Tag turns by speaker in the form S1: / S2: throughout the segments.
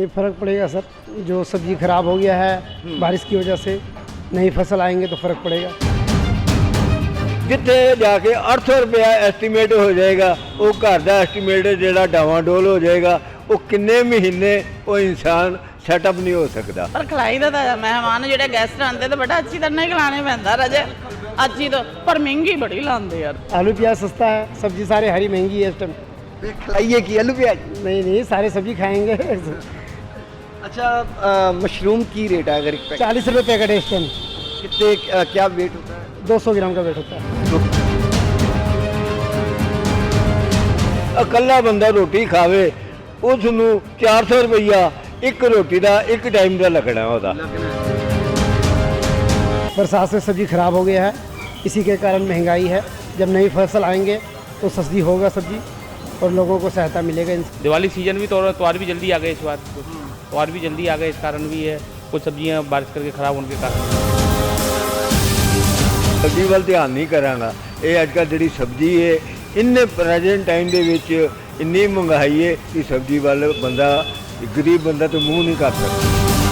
S1: नहीं फ़र्क पड़ेगा सर, जो सब्ज़ी ख़राब हो गया है बारिश की वजह से, नई फसल आएंगे तो फ़र्क पड़ेगा।
S2: जिथे जाके 800 रुपया एस्टीमेट हो जाएगा, वो घर का एस्टीमेट जो डावाडोल हो जाएगा, वो किन्ने महीने वो इंसान सैटअप नहीं हो सकता।
S3: पर खिलाई तो मेहमान जो गैस्ट आते तो बड़ा अच्छी तरह खिलाने पैंदा रजे अच्छी तो, पर महंगी बड़ी लाते यार।
S1: आलू प्याज सस्ता है, सब्ज़ी सारी हरी महंगी है इस टाइम।
S4: खिलाइए कि आलू प्याज?
S1: नहीं सारे सब्ज़ी खाएंगे।
S4: अच्छा, मशरूम की रेट है अगर एक पैकेट?
S1: 40 रुपये पैकेट है इस टाइम।
S4: कितने क्या वेट होता है?
S1: 200 ग्राम का वेट होता है।
S2: अकला बंदा रोटी खावे उसनू 400 रुपया एक रोटी का एक टाइम का लगना होता।
S1: बरसात से सब्ज़ी ख़राब हो गया है, इसी के कारण महंगाई है। जब नई फसल आएंगे तो सस्ती होगा सब्ज़ी और लोगों को सहायता मिलेगा।
S5: दिवाली सीजन भी तो त्योहार भी जल्दी आ गए, इस बार त्योहार भी जल्दी आ गए, इस कारण भी है कुछ सब्जियां बारिश करके ख़राब होने के कारण।
S2: सब्जी वाल ध्यान नहीं करांगा। ये अजकल जी सब्जी है इन्ने प्रेजेंट टाइम के इन्नी महंगाई है कि सब्जी वाल बंदा गरीब बंदा तो मूँह नहीं कर सकता।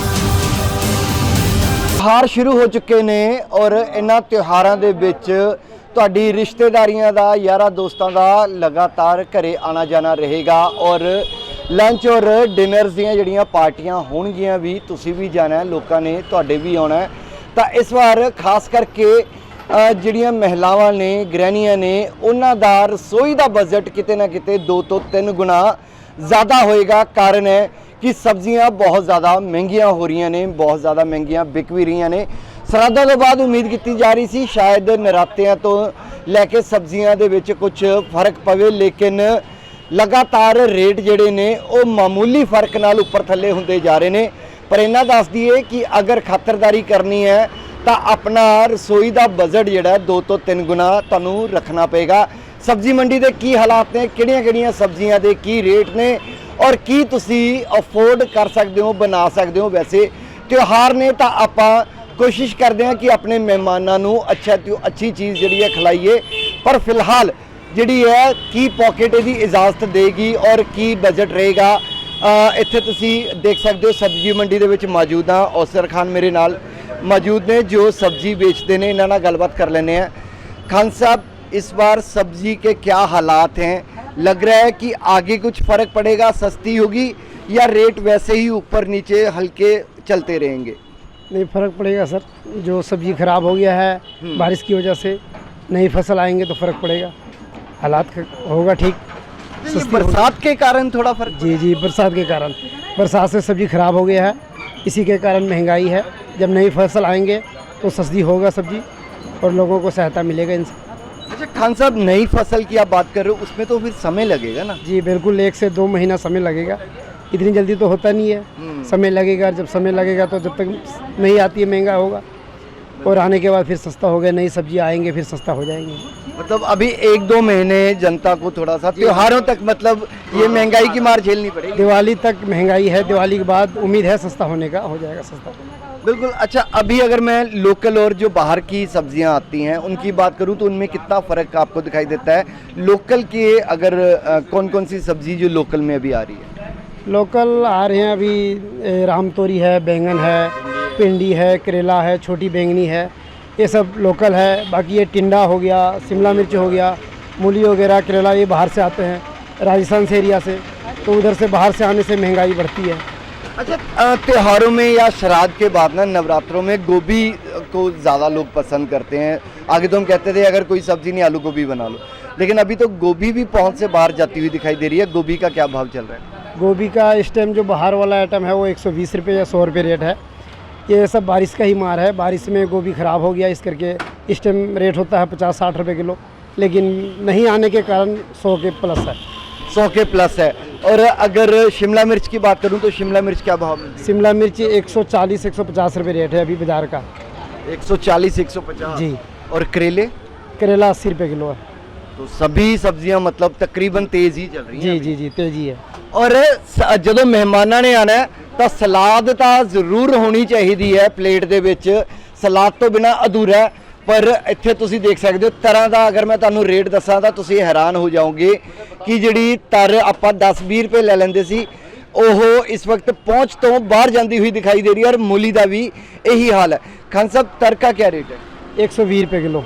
S4: ਤਿਉਹਾਰ ਸ਼ੁਰੂ ਹੋ ਚੁੱਕੇ ਨੇ ਔਰ ਇਹਨਾਂ ਤਿਉਹਾਰਾਂ ਦੇ ਵਿੱਚ ਤੁਹਾਡੀ ਰਿਸ਼ਤੇਦਾਰੀਆਂ ਦਾ, ਯਾਰਾਂ ਦੋਸਤਾਂ ਦਾ ਲਗਾਤਾਰ ਘਰੇ ਆਣਾ ਜਾਣਾ ਰਹੇਗਾ ਔਰ ਲੰਚ ਔਰ ਡਿਨਰਸ ਦੀਆਂ ਜਿਹੜੀਆਂ ਪਾਰਟੀਆਂ ਹੋਣਗੀਆਂ ਵੀ ਤੁਸੀਂ ਵੀ ਜਾਣਾ ਹੈ, ਲੋਕਾਂ ਨੇ ਤੁਹਾਡੇ ਵੀ ਆਉਣਾ ਹੈ। ਤਾਂ ਇਸ ਵਾਰ ਖਾਸ ਕਰਕੇ ਜਿਹੜੀਆਂ ਮਹਿਲਾਵਾਂ ਨੇ, ਗ੍ਰਹਿਣੀਆਂ ਨੇ, ਉਹਨਾਂ ਦਾ ਰਸੋਈ ਦਾ ਬਜਟ ਕਿਤੇ ਨਾ ਕਿਤੇ 2 ਤੋਂ 3 ਗੁਣਾ ज़्यादा होएगा। कारण है कि सब्जियां बहुत ज़्यादा महंगियां हो रही ने, बहुत ज़्यादा महंगियां बिक भी रही ने। सराधा तो बाद उम्मीद की जा रही सी शायद नरातियां तो लैके सब्जियां दे विच कुछ फर्क पवे, लेकिन लगातार रेट जिहड़े ने वो मामूली फर्क नाल उपर थल्ले हुंदे जा रहे ने। पर इन्ना दस दईए कि अगर खातरदारी करनी है तो अपना रसोई का बजट जिहड़ा 2 ਤੋਂ 3 गुना तुहानूं रखना पेगा। सब्जी मंडी के की हालात ने, किहड़ियां सब्जियां के की रेट ने और की तुसी अफोर्ड कर सकते हो, बना सकते हो। वैसे त्यौहार ने तो आपां कोशिश करते हैं कि अपने मेहमानों को अच्छा तो अच्छी चीज़ जी है खिलाइए, पर फिलहाल जी है की पॉकेट की इजाजत देगी और की बजट रहेगा। इत्थे तुसी देख सकते हो सब्जी मंडी के विच मौजूद हाँ। औसर खान मेरे नाल मौजूद ने जो सब्जी बेचते हैं, इन्हां नाल गलबात कर लेने हैं। खान साहब, इस बार सब्जी के क्या हालात हैं? लग रहा है कि आगे कुछ फ़र्क पड़ेगा, सस्ती होगी या रेट वैसे ही ऊपर नीचे हल्के चलते रहेंगे?
S1: नहीं फ़र्क पड़ेगा सर, जो सब्ज़ी ख़राब हो गया है बारिश की वजह से, नई फसल आएंगे तो फ़र्क पड़ेगा, हालात होगा ठीक।
S4: बरसात के कारण थोड़ा फर्क?
S1: जी बरसात के कारण, बरसात से सब्ज़ी ख़राब हो गया है, इसी के कारण महंगाई है। जब नई फसल आएंगे तो सस्ती होगा सब्ज़ी और लोगों को सहायता मिलेगा इनसे।
S4: अच्छा खान साहब, नई फसल की आप बात कर रहे हो, उसमें तो फिर समय लगेगा ना?
S1: जी बिल्कुल, 1 से 2 महीना समय लगेगा, इतनी जल्दी तो होता नहीं है, समय लगेगा। जब समय लगेगा तो जब तक नहीं आती है महंगा होगा और आने के बाद फिर सस्ता होगा, नई सब्जी आएंगे फिर सस्ता हो जाएंगे।
S4: मतलब अभी 1-2 महीने जनता को थोड़ा सा त्योहारों तक मतलब ये महंगाई की मार झेलनी पड़ेगी।
S1: दिवाली तक महंगाई है, दिवाली के बाद उम्मीद है सस्ता होने का, हो जाएगा सस्ता।
S4: बिल्कुल। अच्छा, अभी अगर मैं लोकल और जो बाहर की सब्जियां आती हैं उनकी बात करूं तो उनमें कितना फ़र्क आपको दिखाई देता है? लोकल के अगर कौन कौन सी सब्जी जो लोकल में अभी आ रही है?
S1: लोकल आ रहे हैं अभी राम तोरी है, बैंगन है, भिंडी है, करेला है, छोटी बैंगनी है, ये सब लोकल है। बाकी ये टिंडा हो गया, शिमला मिर्च हो गया, मूली वगैरह, करेला, ये बाहर से आते हैं राजस्थान से एरिया से, तो उधर से बाहर से आने से महंगाई बढ़ती है।
S4: अच्छा, त्योहारों में या श्राद्ध के बाद ना नवरात्रों में गोभी को ज़्यादा लोग पसंद करते हैं। आगे तो हम कहते थे अगर कोई सब्ज़ी नहीं आलू गोभी बना लो, लेकिन अभी तो गोभी भी पहुंच से बाहर जाती हुई दिखाई दे रही है। गोभी का क्या भाव चल रहा है?
S1: गोभी का इस टाइम जो बाहर वाला आइटम है वो 120 रुपये या 100 रुपये रेट है। ये सब बारिश का ही मार है, बारिश में गोभी ख़राब हो गया, इस करके इस टाइम रेट होता है 50-60 रुपये किलो, लेकिन नहीं आने के कारण 100 के प्लस है।
S4: 100 के प्लस है। और अगर शिमला मिर्च की बात करूं तो शिमला मिर्च क्या भाव मिलती है?
S1: शिमला मिर्च 140-150 रुपये रेट है अभी बाज़ार का।
S4: 140-150
S1: जी।
S4: और करेले?
S1: करेला 80 रुपये किलो है।
S4: तो सभी सब्जियां मतलब तकरीबन तेज़ ही चल रही हैं?
S1: जी तेज़ी है।
S4: और जो मेहमानों ने आना है तो सलाद तो जरूर होनी चाहिए है प्लेट दे विच, सलाद तो बिना अधूरा है। पर इत्थे तुसी देख सकते हो तरह का, अगर मैं तुहानू रेट दसां तो तुसी हैरान हो जाओगे कि जिहड़ी तर आपां 10-20 रुपए ले लैंदे सी, ਉਹ ਇਸ ਵਕਤ ਪਹੁੰਚ ਤੋਂ ਬਾਹਰ ਜਾਂਦੀ ਹੋਈ ਦਿਖਾਈ ਦੇ ਰਹੀ ਹੈ ਔਰ मूली ਦਾ ਵੀ ਇਹੀ ਹਾਲ ਹੈ। खान साहब तर का क्या रेट है?
S1: 120 रुपये किलो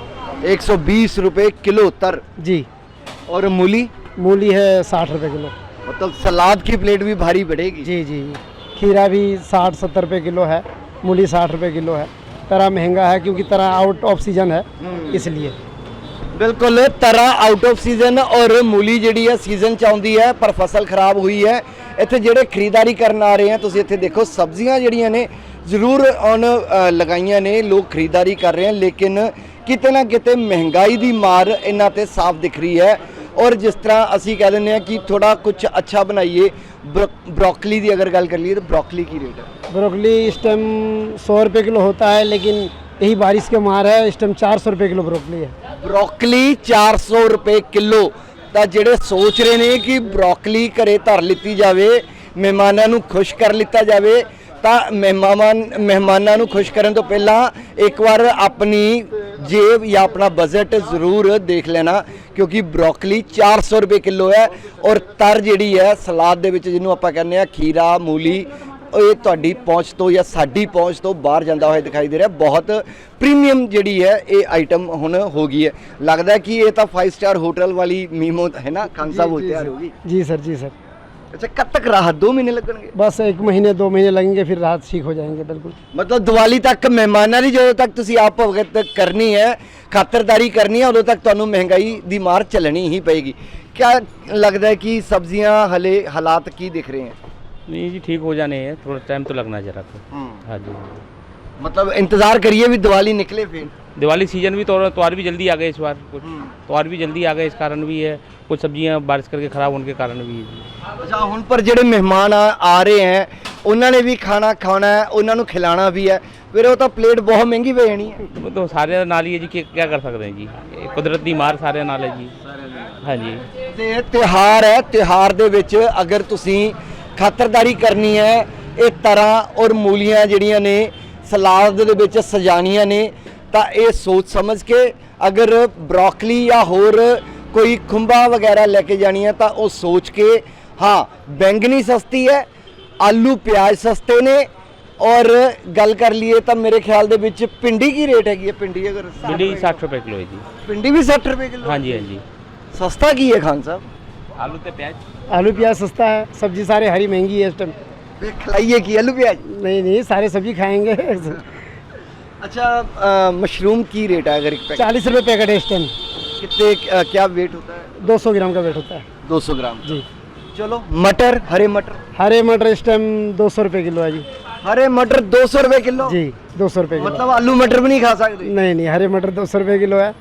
S4: 120 रुपए किलो तर।
S1: जी।
S4: और मूली?
S1: मूली है 60 रुपये किलो।
S4: मतलब सलाद की प्लेट भी भारी पड़ेगी।
S1: जी जी। खीरा भी 60-70 रुपये किलो है, मूली 60 रुपये किलो है। तरह महंगा है क्योंकि तरह आउट ऑफ सीजन है, इसलिए।
S4: बिल्कुल, तरह आउट ऑफ सीजन और मूली ਜਿਹੜੀ ਹੈ ਸੀਜ਼ਨ ਚ ਆਉਂਦੀ ਹੈ ਪਰ ਫਸਲ ਖਰਾਬ ਹੋਈ ਹੈ। ਇੱਥੇ ਜਿਹੜੇ ਖਰੀਦਦਾਰੀ ਕਰਨ ਆ ਰਹੇ ਆ ਤੁਸੀਂ ਇੱਥੇ ਦੇਖੋ ਸਬਜ਼ੀਆਂ ਜਿਹੜੀਆਂ ਨੇ ਜ਼ਰੂਰ ਔਨ ਲਗਾਈਆਂ ਨੇ, ਲੋਕ ਖਰੀਦਦਾਰੀ ਕਰ ਰਹੇ ਹਨ, ਲੇਕਿਨ ਕਿਤੇ ਨਾ ਕਿਤੇ ਮਹਿੰਗਾਈ ਦੀ ਮਾਰ ਇਹਨਾਂ ਤੇ ਸਾਫ਼ ਦਿਖ ਰਹੀ ਹੈ। और जिस तरह असी कह दें कि थोड़ा कुछ अच्छा बनाइए, ब्रोकली की अगर गल कर लिए तो ब्रोकली की रेट है?
S1: ब्रोकली इस टाइम 100 रुपये किलो होता है, लेकिन यही बारिश के मार है, इस टाइम 400 रुपये किलो ब्रोकली है।
S4: ब्रोकली 400 रुपये किलो। तो ਜਿਹੜੇ सोच रहे हैं कि ब्रोकली घरे धर लीती जाए, मेहमानों ਨੂੰ खुश कर लिता जाए, ਤਾਂ ਮਹਿਮਾਨਾਂ ਨੂੰ ਖੁਸ਼ ਕਰਨ ਤੋਂ ਪਹਿਲਾਂ ਇੱਕ ਵਾਰ ਆਪਣੀ ਜੇਬ ਜਾਂ ਆਪਣਾ ਬਜਟ ਜ਼ਰੂਰ ਦੇਖ ਲੈਣਾ, ਕਿਉਂਕਿ ਬਰੋਕਲੀ 400 ਰੁਪਏ ਕਿਲੋ ਹੈ ਔਰ ਤਰ ਜਿਹੜੀ ਹੈ ਸਲਾਦ ਦੇ ਵਿੱਚ ਜਿਹਨੂੰ ਆਪਾਂ ਕਹਿੰਦੇ ਆ ਖੀਰਾ ਮੂਲੀ, ਇਹ ਤੁਹਾਡੀ ਪਹੁੰਚ ਤੋਂ ਜਾਂ ਸਾਡੀ ਪਹੁੰਚ ਤੋਂ ਬਾਹਰ ਜਾਂਦਾ ਹੋਇਆ ਦਿਖਾਈ ਦੇ ਰਿਹਾ। ਬਹੁਤ ਪ੍ਰੀਮੀਅਮ ਜਿਹੜੀ ਹੈ ਇਹ ਆਈਟਮ ਹੁਣ ਹੋ ਗਈ ਹੈ। ਲੱਗਦਾ ਹੈ कि ये तो 5 स्टार होटल वाली मीमो है ना खान साहब होते हैं होगी।
S1: जी सर, जी सर।
S4: अच्छा, कब तक राहत? 2 महीने लगेंगे?
S1: बस 1 महीने 2 महीने लगेंगे, फिर राहत ठीक हो जाएंगे। बिल्कुल।
S4: मतलब दिवाली तक मेहमानों की जो तक तुसी आप भगत करनी है, खातरदारी करनी है, उदों तक तुहानू महंगाई दी मार चलनी ही पएगी। क्या लगता है कि सब्जियां हले हालात की दिख रहे हैं?
S5: नहीं जी, ठीक हो जाने हैं, थोड़ा टाइम तो लगना जरा तो। हाँ जी।
S4: मतलब इंतजार करिए भी दिवाली निकले, फिर
S5: दिवाली सीजन भी त्योहार भी जल्दी आ गए इस बार, कुछ त्योहार भी जल्दी आ गए, इस कारण भी है, कुछ सब्जियां बारिश करके ख़राब होने के कारण भी है।
S4: अच्छा, हुण पर ਜਿਹੜੇ मेहमान आ रहे हैं ਉਹਨਾਂ ਨੇ ਵੀ ਖਾਣਾ ਖਾਣਾ है, ਉਹਨਾਂ ਨੂੰ खिलाना भी है, फिर वो तो प्लेट बहुत महंगी पे जानी है।
S5: वो तो सारे नाल ही है जी, क्या कर सकते हैं जी, कुदरत दी मार सारे नाल है जी। हाँ जी।
S4: ਤੇ ਤਿਉਹਾਰ ਹੈ, ਤਿਉਹਾਰ ਦੇ ਵਿੱਚ ਅਗਰ ਤੁਸੀਂ ਖਾਤਰਦਾਰੀ ਕਰਨੀ ਹੈ, ਇਹ ਤਰਾਂ ਔਰ ਮੂਲੀਆਂ ਜਿਹੜੀਆਂ ਨੇ ਸਲਾਦ ਦੇ ਵਿੱਚ ਸਜਾਣੀਆਂ ਨੇ, ਤਾਂ ਇਹ ਸੋਚ ਸਮਝ ਕੇ ਅਗਰ ਬਰੋਕਲੀ ਜਾਂ ਹੋਰ ਕੋਈ ਖੁੰਬਾ ਵਗੈਰਾ ਲੈ ਕੇ ਜਾਣੀ ਹੈ ਤਾਂ ਉਹ ਸੋਚ ਕੇ। हाँ, बैंगनी सस्ती है, आलू प्याज सस्ते ने, और गल कर लिए तो मेरे ख्याल दे विच भिंडी की रेट हैगी है? भिंडी अगर
S5: भिंडी 60 रुपए किलो है जी।
S4: भिंडी भी 60 रुपए किलो?
S5: हाँ जी, हाँ जी।
S4: सस्ता की है खान साहब?
S5: आलू ते प्याज।
S1: आलू प्याज सस्ता है, सब्जी सारे हरी महंगी है इस टाइम।
S4: खिलाइए की आलू प्याज?
S1: नहीं नहीं, सारे सब्जी खाएंगे।
S4: अच्छा, मशरूम की रेट है अगर
S1: 40 रुपये पैकेट है इस टाइम।
S4: कितने क्या वेट होता है?
S1: 200 ग्राम का वेट होता है।
S4: 200 ग्राम
S1: जी।
S4: चलो, मटर, हरे मटर?
S1: हरे मटर इस टाइम 200 रुपये किलो है जी।
S4: हरे मटर 200 रुपए किलो?
S1: जी, 200 रुपये किलो।
S4: मतलब आलू मटर भी नहीं खा सकते?
S1: नहीं नहीं, हरे मटर 200 रुपये किलो है।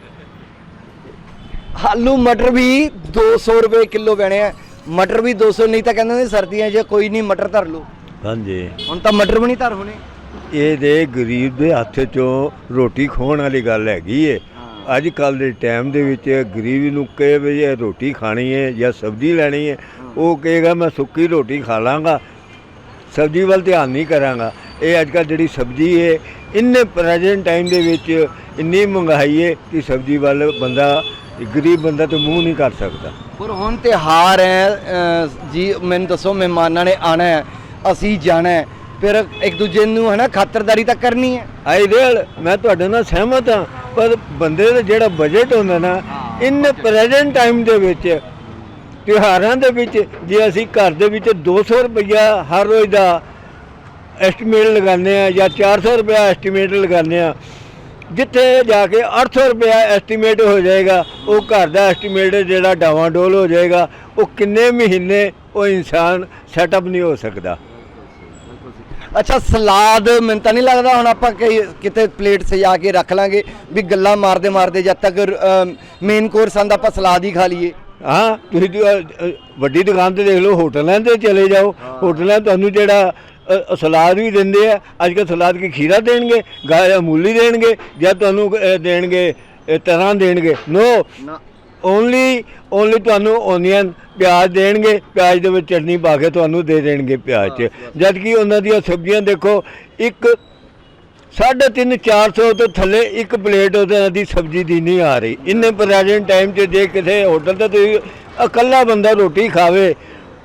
S4: आलू मटर भी 200 रुपए किलो पैने हैं। मटर भी 200, नहीं तो कहते सर्दियां जो कोई नहीं मटर धर लो।
S2: हाँ जी।
S4: ਹੁਣ ਤਾਂ ਮਟਰ ਵੀ ਨਹੀਂ ਧਰ ਹੋਣੇ।
S2: ਇਹ ਦੇ ਗਰੀਬ ਦੇ ਹੱਥ 'ਚੋਂ ਰੋਟੀ ਖੋਹਣ ਵਾਲੀ ਗੱਲ ਹੈਗੀ ਏ। ਅੱਜ ਕੱਲ੍ਹ ਦੇ ਟਾਈਮ ਦੇ ਵਿੱਚ ਗਰੀਬ ਨੂੰ ਕਹੇ ਵੀ ਇਹ ਰੋਟੀ ਖਾਣੀ ਹੈ ਜਾਂ ਸਬਜ਼ੀ ਲੈਣੀ ਹੈ, ਉਹ ਕਹੇਗਾ ਮੈਂ ਸੁੱਕੀ ਰੋਟੀ ਖਾ ਲਾਂਗਾ, ਸਬਜ਼ੀ ਵੱਲ ਧਿਆਨ ਨਹੀਂ ਕਰਾਂਗਾ। ਇਹ ਅੱਜ ਕੱਲ੍ਹ ਜਿਹੜੀ ਸਬਜ਼ੀ ਹੈ, ਇੰਨੇ ਪ੍ਰੈਜ਼ੈਂਟ ਟਾਈਮ ਦੇ ਵਿੱਚ ਇੰਨੀ ਮਹਿੰਗਾਈ ਹੈ ਕਿ ਸਬਜ਼ੀ ਵੱਲ ਬੰਦਾ, ਗਰੀਬ ਬੰਦਾ ਤਾਂ ਮੂੰਹ ਨਹੀਂ ਕਰ ਸਕਦਾ।
S4: ਪਰ ਹੁਣ ਤਿਉਹਾਰ ਹੈ ਜੀ, ਮੈਨੂੰ ਦੱਸੋ ਮਹਿਮਾਨਾਂ ਨੇ ਆਣਾ ਹੈ, ਅਸੀਂ ਜਾਣਾ ਹੈ, ਫਿਰ ਇੱਕ ਦੂਜੇ ਨੂੰ ਹੈ ਨਾ ਖਾਤਰਦਾਰੀ ਤਾਂ ਕਰਨੀ ਹੈ।
S2: ਆਈਡੀਅਲ, ਮੈਂ ਤੁਹਾਡੇ ਨਾਲ ਸਹਿਮਤ ਹਾਂ, ਪਰ ਬੰਦੇ ਦਾ ਜਿਹੜਾ ਬਜਟ ਹੁੰਦਾ ਨਾ, ਇਨ ਪ੍ਰੈਜ਼ੈਂਟ ਟਾਈਮ ਦੇ ਵਿੱਚ ਤਿਉਹਾਰਾਂ ਦੇ ਵਿੱਚ ਜੇ ਅਸੀਂ ਘਰ ਦੇ ਵਿੱਚ 200 ਰੁਪਈਆ ਹਰ ਰੋਜ਼ ਦਾ ਐਸਟੀਮੇਟ ਲਗਾਉਂਦੇ ਆ ਜਾਂ 400 ਰੁਪਇਆ ਐਸਟੀਮੇਟ ਲਗਾਉਂਦੇ ਆ, ਜਿੱਥੇ ਜਾ ਕੇ 800 ਰੁਪਇਆ ਐਸਟੀਮੇਟ ਹੋ ਜਾਏਗਾ, ਉਹ ਘਰ ਦਾ ਐਸਟੀਮੇਟ ਜਿਹੜਾ ਡਾਵਾਂਡੋਲ ਹੋ ਜਾਏਗਾ। ਉਹ ਕਿੰਨੇ ਮਹੀਨੇ ਉਹ ਇਨਸਾਨ ਸੈਟਅਪ ਨਹੀਂ ਹੋ ਸਕਦਾ।
S4: ਅੱਛਾ, ਸਲਾਦ ਮੈਨੂੰ ਤਾਂ ਨਹੀਂ ਲੱਗਦਾ ਹੁਣ ਆਪਾਂ ਕਿਤੇ ਪਲੇਟ ਸਜਾ ਕੇ ਰੱਖ ਲਾਂਗੇ ਵੀ ਗੱਲਾਂ ਮਾਰਦੇ ਮਾਰਦੇ ਜਦ ਤੱਕ ਮੇਨ ਕੋਰਸ ਆਂਦਾ ਆਪਾਂ ਸਲਾਦ ਹੀ ਖਾ ਲਈਏ।
S2: ਹਾਂ, ਤੁਸੀਂ ਵੱਡੀ ਦੁਕਾਨ ਤੇ ਦੇਖ ਲਓ, ਹੋਟਲਾਂ ਤੇ ਚਲੇ ਜਾਓ, ਹੋਟਲਾਂ ਤੁਹਾਨੂੰ ਜਿਹੜਾ ਸਲਾਦ ਵੀ ਦਿੰਦੇ ਆ। ਅੱਜ ਕੱਲ੍ਹ ਸਲਾਦ ਕੀ ਖੀਰਾ ਦੇਣਗੇ, ਗਾਇਆ ਮੂਲੀ ਦੇਣਗੇ, ਜਾਂ ਤੁਹਾਨੂੰ ਦੇਣਗੇ ਤਰ੍ਹਾਂ ਦੇਣਗੇ? ਨੋ, ਓਨਲੀ ਤੁਹਾਨੂੰ ਓਨੀਅਨ ਪਿਆਜ਼ ਦੇਣਗੇ, ਪਿਆਜ਼ ਦੇ ਵਿੱਚ ਚਟਨੀ ਪਾ ਕੇ ਤੁਹਾਨੂੰ ਦੇ ਦੇਣਗੇ ਪਿਆਜ਼ 'ਚ। ਜਦ ਕਿ ਉਹਨਾਂ ਦੀਆਂ ਸਬਜ਼ੀਆਂ ਦੇਖੋ, ਇੱਕ 350-400 ਤੋਂ ਥੱਲੇ ਇੱਕ ਪਲੇਟ ਉਹਨਾਂ ਦੀ ਸਬਜ਼ੀ ਦੀ ਨਹੀਂ ਆ ਰਹੀ। ਇੰਨੇ ਪ੍ਰੈਜ਼ੈਂਟ ਟਾਈਮ 'ਚ ਜੇ ਕਿਸੇ ਹੋਟਲ 'ਤੇ ਤੁਸੀਂ ਇਕੱਲਾ ਬੰਦਾ ਰੋਟੀ ਖਾਵੇ,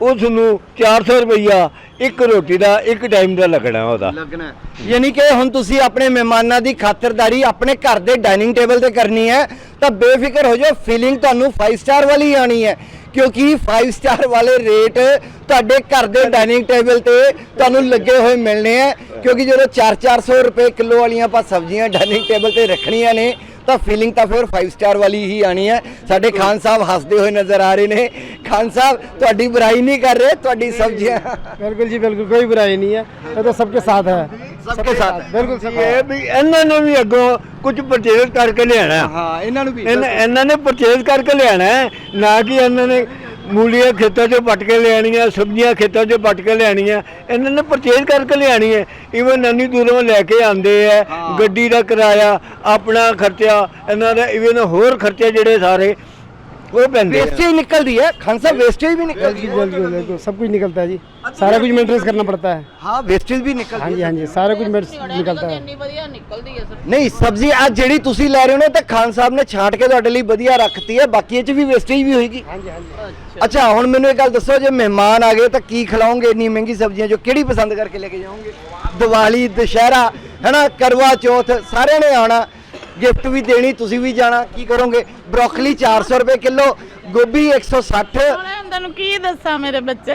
S2: ਉਸ ਨੂੰ 400 ਰੁਪਈਆ ਇੱਕ ਰੋਟੀ ਦਾ ਇੱਕ ਟਾਈਮ ਦਾ ਲੱਗਣਾ ਉਹਦਾ।
S4: ਲੱਗਣਾ ਹੈ। ਯਾਨੀ ਕਿ ਹੁਣ ਤੁਸੀਂ ਆਪਣੇ ਮਹਿਮਾਨਾਂ ਦੀ ਖਾਤਰਦਾਰੀ ਆਪਣੇ ਘਰ ਦੇ ਡਾਈਨਿੰਗ ਟੇਬਲ ਤੇ ਕਰਨੀ ਹੈ ਤਾਂ ਬੇਫਿਕਰ ਹੋ ਜਾਓ, ਫੀਲਿੰਗ ਤੁਹਾਨੂੰ 5 ਸਟਾਰ ਵਾਲੀ ਆਣੀ ਹੈ, ਕਿਉਂਕਿ 5 ਸਟਾਰ ਵਾਲੇ ਰੇਟ ਤੁਹਾਡੇ ਘਰ ਦੇ ਡਾਈਨਿੰਗ ਟੇਬਲ ਤੇ ਤੁਹਾਨੂੰ ਲੱਗੇ ਹੋਏ ਮਿਲਣੇ ਆ। ਕਿਉਂਕਿ ਜਦੋਂ 400 ਰੁਪਏ ਕਿਲੋ ਵਾਲੀਆਂ ਆਪਾਂ ਸਬਜ਼ੀਆਂ ਡਾਈਨਿੰਗ ਟੇਬਲ ਤੇ ਰੱਖਣੀਆਂ ਨੇ ਤਾਂ ਫੀਲਿੰਗ ਤਾਂ ਫਿਰ 5 ਸਟਾਰ ਵਾਲੀ ਹੀ ਆਣੀ ਹੈ। ਸਾਡੇ ਖਾਨ ਸਾਹਿਬ ਹੱਸਦੇ ਹੋਏ ਨਜ਼ਰ ਆ ਰਹੇ ਨੇ। ਖਾन साहब ਤੁਹਾਡੀ बुराई नहीं कर रहे, ਤੁਹਾਡੀ सब्जियां
S1: बिल्कुल जी बिल्कुल, कोई बुराई नहीं है, ये तो सबके साथ है,
S4: सबके साथ
S1: बिल्कुल सब
S2: ਇਹ ਵੀ ਇਹਨਾਂ ਨੇ ਵੀ ਅੱਗੋਂ ਕੁਝ ਪਰਚੇਜ਼ ਕਰਕੇ ਲਿਆਣਾ ਹੈ।
S4: ਹਾਂ ਇਹਨਾਂ ਨੂੰ ਵੀ
S2: ਇਹਨਾਂ ਨੇ ਪਰਚੇਜ਼ ਕਰਕੇ ਲਿਆਣਾ ਹੈ, ਨਾ ਕਿ ਇਹਨਾਂ ਨੇ ਮੂਲੀਆਂ ਖੇਤਾਂ 'ਚੋਂ ਪੱਟ ਕੇ ਲਿਆਣੀਆਂ, ਸਬਜ਼ੀਆਂ ਖੇਤਾਂ 'ਚੋਂ ਪੱਟ ਕੇ ਲਿਆਣੀਆਂ, ਇਹਨਾਂ ਨੇ ਪਰਚੇਜ਼ ਕਰਕੇ ਲਿਆਣੀ ਹੈ। ਇਵਨ ਇੰਨੀ ਦੂਰੋਂ ਲੈ ਕੇ ਆਉਂਦੇ ਹੈ, ਗੱਡੀ ਦਾ ਕਿਰਾਇਆ, ਆਪਣਾ ਖਰਚਾ, ਇਹਨਾਂ ਦਾ ਇਵਨ ਹੋਰ ਖਰਚੇ ਜਿਹੜੇ ਸਾਰੇ वो पैंदे हैं।
S4: वेस्टेज निकलती है खान साहब, वेस्टेज भी निकलती है।
S1: बिल्कुल बिल्कुल सब कुछ निकलता है जी, सारा कुछ मेंटेनेंस करना पड़ता है।
S4: हाँ वेस्टेज भी निकलती
S1: हाँ
S4: है।
S1: जी हाँ जी, सारा कुछ निकलता है।
S3: ਇੰਨੀ ਵਧੀਆ ਨਿਕਲਦੀ ਹੈ ਸਰ।
S4: ਨਹੀਂ ਸਬਜ਼ੀ ਅੱਜ ਜਿਹੜੀ ਤੁਸੀਂ ਲੈ ਰਹੇ ਹੋ ਨਾ ਤਾਂ ਖਾਨ ਸਾਹਿਬ ਨੇ ਛਾਂਟ ਕੇ ਤੁਹਾਡੇ ਲਈ ਵਧੀਆ ਰੱਖਤੀ ਹੈ, ਬਾਕੀ ਇਹ ਚ ਵੀ ਵੇਸਟੇਜ ਵੀ ਹੋਏਗੀ।
S1: हाँ जी हाँ जी।
S4: ਅੱਛਾ ਹੁਣ ਮੈਨੂੰ ਇੱਕ ਗੱਲ ਦੱਸੋ, ਜੇ ਮਹਿਮਾਨ ਆ ਗਏ ਤਾਂ ਕੀ ਖਿਲਾਓਗੇ ਇੰਨੀ ਮਹਿੰਗੀ ਸਬਜ਼ੀਆਂ ਚੋਂ ਕਿਹੜੀ ਪਸੰਦ ਕਰਕੇ ਲੈ ਕੇ ਜਾਓਗੇ? ਦੀਵਾਲੀ, ਦੁਸ਼ਹਿਰਾ ਹੈਨਾ, ਕਰਵਾ ਚੌਥ, ਸਾਰਿਆਂ ਨੇ ਆਉਣਾ, ਗਿਫਟ ਵੀ ਦੇਣੀ, ਤੁਸੀਂ ਵੀ ਜਾਣਾ, ਕੀ ਕਰੋਗੇ? ਬਰੋਕਲੀ 400 ਰੁਪਏ ਕਿਲੋ, ਗੋਭੀ 160।
S3: ਹੁਣ ਤੁਹਾਨੂੰ ਕੀ ਦੱਸਾਂ ਮੇਰੇ ਬੱਚੇ,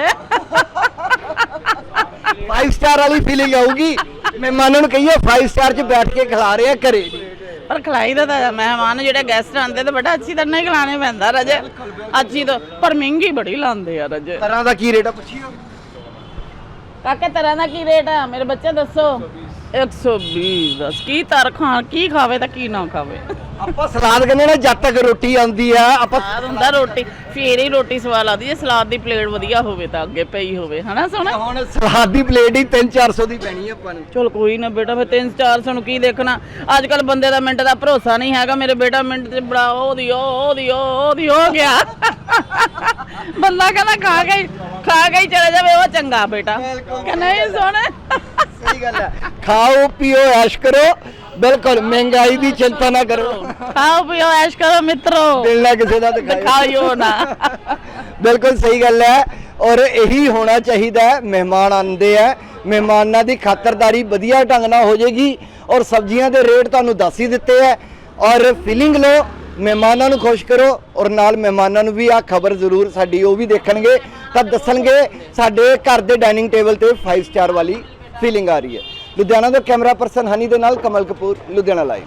S4: 5 ਸਟਾਰ ਵਾਲੀ ਫੀਲਿੰਗ ਆਊਗੀ। ਮਹਿਮਾਨਾਂ ਨੂੰ ਕਹੀਏ 5 ਸਟਾਰ 'ਚ ਬੈਠ ਕੇ ਖਿਲਾ ਰਹੇ ਆ ਘਰੇ।
S3: ਪਰ ਖਿਲਾਈ ਦਾ ਤਾਂ ਮਹਿਮਾਨ ਜਿਹੜੇ ਗੈਸਟ ਆਉਂਦੇ ਤਾਂ ਬੜਾ ਅੱਛੀ ਤਰ੍ਹਾਂ ਹੀ ਖਿਲਾਣੇ ਪੈਂਦਾ ਰਜੇ, ਅੱਛੀ ਤਾਂ ਪਰ ਮਹਿੰਗੀ ਬੜੀ ਲਾਉਂਦੇ ਆ ਰਜੇ।
S4: ਤਰ੍ਹਾਂ ਦਾ ਕੀ ਰੇਟ ਆ ਪੁੱਛੀਓ?
S3: ਕਾਕੇ ਤਰ੍ਹਾਂ ਦਾ ਕੀ ਰੇਟ ਆ ਮੇਰੇ ਬੱਚੇ ਦੱਸੋ? 120 ਦੱਸ ਕੀ ਤਰ ਖਾਣ, ਕੀ ਖਾਵੇ ਤਾਂ ਕੀ ਨਾ ਖਾਵੇ।
S4: ਆਪਾਂ ਸਲਾਦ ਕਹਿੰਦੇ ਨਾ, ਜਦ ਤੱਕ ਰੋਟੀ ਆਉਂਦੀ ਆ ਆਪਾਂ
S3: ਸਲਾਦ ਹੁੰਦਾ, ਰੋਟੀ ਫੇਰ ਹੀ ਰੋਟੀ ਸਵਾਦ ਲੱਗਦੀ ਜੇ ਸਲਾਦ ਦੀ ਪਲੇਟ ਵਧੀਆ ਹੋਵੇ ਤਾਂ ਅੱਗੇ ਪਈ ਹੋਵੇ, ਹਨਾ ਸੋਹਣਾ।
S4: ਹੁਣ ਸਲਾਦ ਦੀ ਪਲੇਟ ਹੀ 300-400 ਦੀ ਪੈਣੀ ਆ ਆਪਾਂ ਨੂੰ।
S3: ਚਲ ਕੋਈ ਨਾ ਬੇਟਾ, ਫਿਰ 300-400 ਨੂੰ ਕੀ ਦੇਖਣਾ, ਅੱਜ ਕੱਲ ਬੰਦੇ ਦਾ ਮਿੰਟ ਦਾ ਭਰੋਸਾ ਨਹੀਂ ਹੈਗਾ। ਮੇਰੇ ਬੇਟਾ ਮਿੰਟ ਤੇ ਬੜਾ ਉਹਦੀ ਹੋ ਗਿਆ ਬੰਦਾ ਕਹਿੰਦਾ ਖਾ ਕੇ ਹੀ ਚਲੇ ਜਾਵੇ, ਉਹ ਚੰਗਾ ਬੇਟਾ ਕਿ ਨਹੀਂ ਸੋਹਣਾ।
S4: ਸਹੀ ਗੱਲ ਹੈ, ਖਾਓ ਪੀਓ ਐਸ਼ ਕਰੋ, ਬਿਲਕੁਲ ਮਹਿੰਗਾਈ ਦੀ ਚਿੰਤਾ ਨਾ ਕਰੋ,
S3: ਖਾਓ ਪੀਓ ਐਸ਼ ਕਰੋ ਮਿੱਤਰੋ,
S4: ਮਿਲਣਾ ਕਿਸੇ ਦਾ
S3: ਦਿਖਾਇਓ ਨਾ।
S4: ਬਿਲਕੁਲ ਸਹੀ ਗੱਲ ਹੈ, ਔਰ ਇਹੀ ਹੋਣਾ ਚਾਹੀਦਾ ਹੈ। ਮਹਿਮਾਨ ਆਉਂਦੇ ਆ, ਮਹਿਮਾਨਾਂ ਦੀ ਖਾਤਰਦਾਰੀ ਵਧੀਆ ਢੰਗ ਨਾਲ ਹੋ ਜਾਏਗੀ, ਔਰ ਸਬਜ਼ੀਆਂ ਦੇ ਰੇਟ ਤੁਹਾਨੂੰ ਦੱਸ ਹੀ ਦਿੱਤੇ ਹੈ, ਔਰ ਫੀਲਿੰਗ ਲਓ, ਮਹਿਮਾਨਾਂ ਨੂੰ ਖੁਸ਼ ਕਰੋ, ਔਰ ਨਾਲ ਮਹਿਮਾਨਾਂ ਨੂੰ ਵੀ ਆਹ ਖਬਰ ਜ਼ਰੂਰ ਸਾਡੀ ਉਹ ਵੀ ਦੇਖਣਗੇ ਤਾਂ ਦੱਸਣਗੇ ਸਾਡੇ ਘਰ ਦੇ ਡਾਈਨਿੰਗ ਟੇਬਲ ਤੇ 5 ਸਟਾਰ ਵਾਲੀ ਫੀਲਿੰਗ ਆ ਰਹੀ ਹੈ। ਲੁਧਿਆਣਾ ਤੋਂ ਕੈਮਰਾ ਪਰਸਨ ਹਨੀ ਦੇ ਨਾਲ ਕਮਲ ਕਪੂਰ, ਲੁਧਿਆਣਾ ਲਾਈਵ।